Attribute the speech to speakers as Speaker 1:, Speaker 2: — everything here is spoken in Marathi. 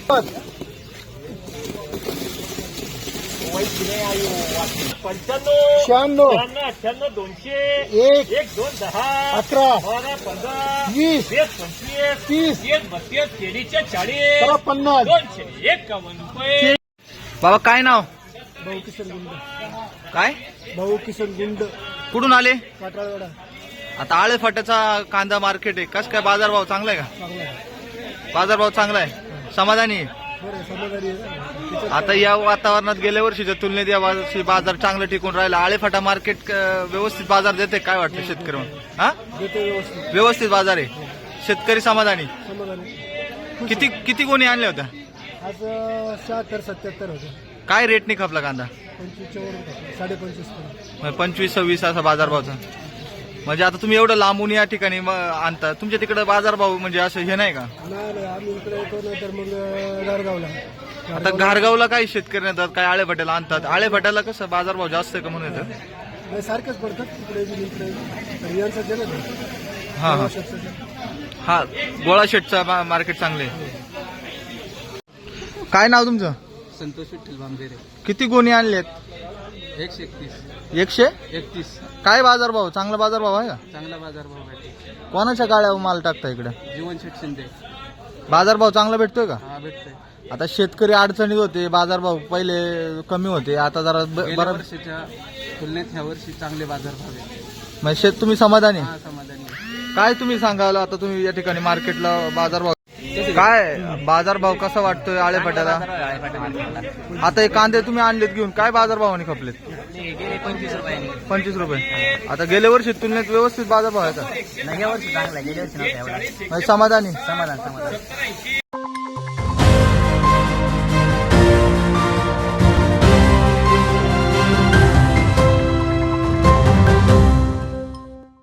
Speaker 1: शहाण्णव
Speaker 2: 98 200
Speaker 1: एक
Speaker 2: 1 2 10
Speaker 1: 11
Speaker 2: 12 15
Speaker 1: 20
Speaker 2: 20 25
Speaker 1: 30
Speaker 2: 30 32 केळीचे 40
Speaker 1: 50
Speaker 2: 251 रुपये.
Speaker 3: बाबा काय नाव?
Speaker 1: भाऊ किशन गुंड.
Speaker 3: काय?
Speaker 1: भाऊ किशन गुंड,
Speaker 3: कुठून आले?
Speaker 1: काटाळवाडा.
Speaker 3: आता आळे फाट्याचा कांदा मार्केट आहे, कसं काय बाजारभाव चांगला आहे का?
Speaker 1: चांगला आहे.
Speaker 3: बाजारभाव चांगला आहे, समाधानी आहे.
Speaker 1: बरं समाधानी आहे ना?
Speaker 3: आता या वातावरणात गेल्या वर्षीच्या तुलनेत या वर्षी बाजार चांगलं टिकून राहिला. आळे फाटा मार्केट व्यवस्थित बाजार देते काय वाटतं शेतकरी म्हणून? हा,
Speaker 1: देतो व्यवस्थित.
Speaker 3: व्यवस्थित बाजार आहे, शेतकरी समाधानी.
Speaker 1: समाधानी.
Speaker 3: किती किती गोणी आणल्या होत्या?
Speaker 1: आज 76 77 होते.
Speaker 3: काय रेटने खपला कांदा?
Speaker 1: 25 वर होता. 25.5 पर्यंत.
Speaker 3: 25-26 असा बाजारभावचा. म्हणजे आता तुम्ही एवढं लांबून या ठिकाणी आणता, तुमच्या तिकडे बाजारभाव म्हणजे असं हे नाही का?
Speaker 1: नाही आम्ही इकडे येतो नाही तर मग गारगावला.
Speaker 3: आता घारगावला काही शेतकरी येतात, काय आळे फाट्याला आणतात. आळे फाट्याला कसं बाजारभाव जास्त आहे का म्हणून येतं?
Speaker 1: नाही, सारखेच पडतात तिकडे बी इकडे. तर यांचं जे ना
Speaker 3: हा हा हा, गोळा शेटचा मार्केट चांगले. काय नाव तुमचं?
Speaker 4: संतोष विठ्ठल बांबेरे.
Speaker 3: किती गोणी आणलेत?
Speaker 4: 131
Speaker 3: 131. काय बाजारभाव? चांगला बाजारभाव आहे का?
Speaker 4: चांगला बाजारभाव भेटतो.
Speaker 3: कोणाच्या गाड्यावर माल टाकता इकडे?
Speaker 4: जीवन शेठ शिंदे.
Speaker 3: बाजारभाव चांगला भेटतोय का?
Speaker 4: हा भेटतोय.
Speaker 3: आता शेतकरी अडचणीत होते, बाजारभाव पहिले कमी होते, आता जरा
Speaker 4: गेल्या
Speaker 3: बरं.
Speaker 4: वर्षीच्या तुलनेत ह्या वर्षी चांगले बाजारभाव आहेत.
Speaker 3: म्हणजे तुम्ही समाधानी?
Speaker 4: हा समाधानी आहे.
Speaker 3: काय तुम्ही सांगाल आता तुम्ही या ठिकाणी मार्केटला बाजारभाव काय बाजारभाव कसा वाटतोय आळे फाट्याला? आता हे कांदे तुम्ही आणलेत घेऊन, काय बाजारभावाने खपलेत? 25 रुपये. आता गेल्या वर्षी तुलनेत व्यवस्थित बाजारभाव आहे का?
Speaker 5: नाही, या वर्षी चांगला आहे. गेल्या वर्षी नव्हता एवढा.
Speaker 3: समाधानी?
Speaker 5: समाधान.